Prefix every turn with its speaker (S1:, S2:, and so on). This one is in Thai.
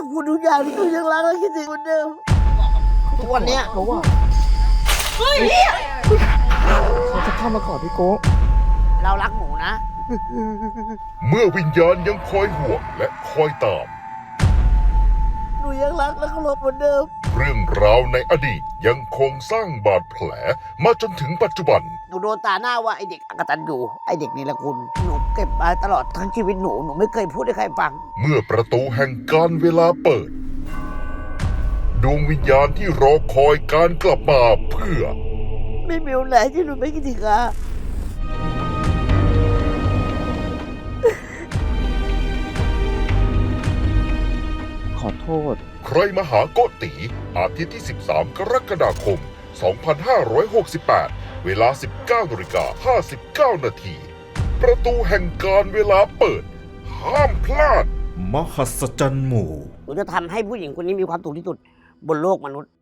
S1: อบคุณทุกอย่างที่หนูยังรักและคิดถึงเหมือนเดิมทุกวันเนี้ย
S2: เขาว่าเขาจะเข้ามากอดพี่โก้
S1: เรารักหนูนะ
S3: เมื่อวิญญาณยังคอยห่วงและคอยตาม
S1: หนูยังรักและเคารพเหมือนเดิม
S3: เรื่องราวในอดีตยังคงสร้างบาดแผลมาจนถึงปัจจุบัน
S1: หนูโดนตาหน้าว่าไอเด็กอกตันอยู่ไอเด็กนิรคุณหนูเก็บมาตลอดทั้งชีวิตหนูไม่เคยพูดให้ใครฟัง
S3: เมื่อประตูแห่งการเวลาเปิด ดวงวิญญาณที่รอคอยการกลับมาเพื่อ
S1: ไม่มีวันไหนที่หนูไม่คิดถึงอา
S2: ขอโทษ
S3: ใครมาหาโกติอาทิตย์ที่ 13 กรกฎาคม 2568 เวลา 19:59 นาที ประตูแห่งการเวลาเปิด ห้ามพลาด
S4: มหัศจรรย์หมู่
S1: หนูจะทำให้ผู้หญิงคนนี้มีความสุขที่สุดบนโลกมนุษย์